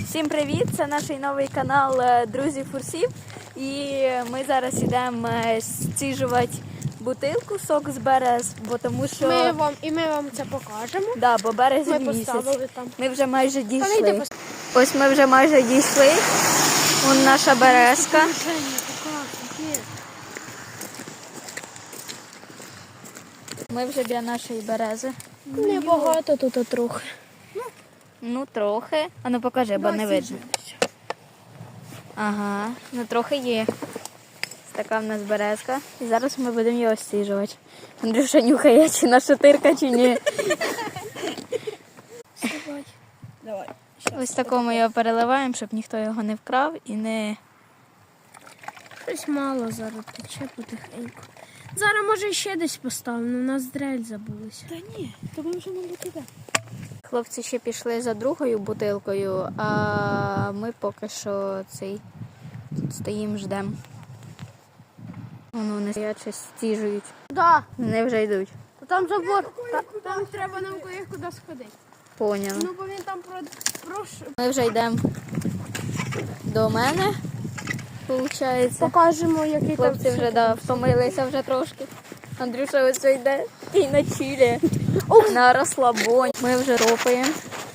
Всім привіт! Це наш новий канал Друзі Фурсів. І ми зараз йдемо стіжувати бутилку сок з берез, бо тому що ми вам це покажемо. да, бо березень Ми місяць. поставили там. Ми вже майже дійшли. Ось ми вже майже дійшли. Вон наша березка. Ми вже біля нашої берези. Небагато тут трохи. Ну трохи. А ну покажи, бо не видно. Ага, ну трохи є. Така в нас березка. І зараз ми будемо його стіжувати. Андрюша нюхає, чи наша тирка, чи ні. Давай. Ось такому його переливаємо, щоб ніхто його не вкрав і не... Щось мало зараз тече потихеньку. Зараз може ще десь поставимо, у нас дрель забулася. Та ні, то ми вже мабуть іде. Хлопці ще пішли за другою бутилкою, а ми поки що тут стоїмо, ждемо. Вони стоять, щось стіжують. Да. Вони вже йдуть. Там забор, там треба нам куди сходити. Поняла. Ну, бо він там Ми вже йдемо до мене, виходить. покажемо, який там. Хлопці вже втомилися вже трошки. Андрюша ось йде і на чилі, на розслабоні. Ми вже ропаємо.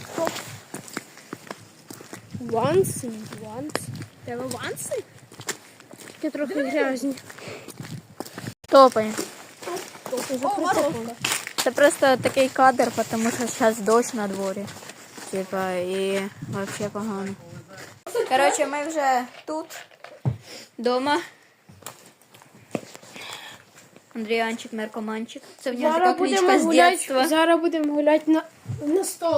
Ванси. Треба ванси? Такі трохи грязні. Топаємо. О, Це просто такий кадр, тому що зараз дощ на дворі. Типа, і взагалі погано. Коротше, ми вже тут, вдома. Андріанчик, наркоманчик. Це в нього така кличка з дитинства. Зараз будемо гуляти на стол.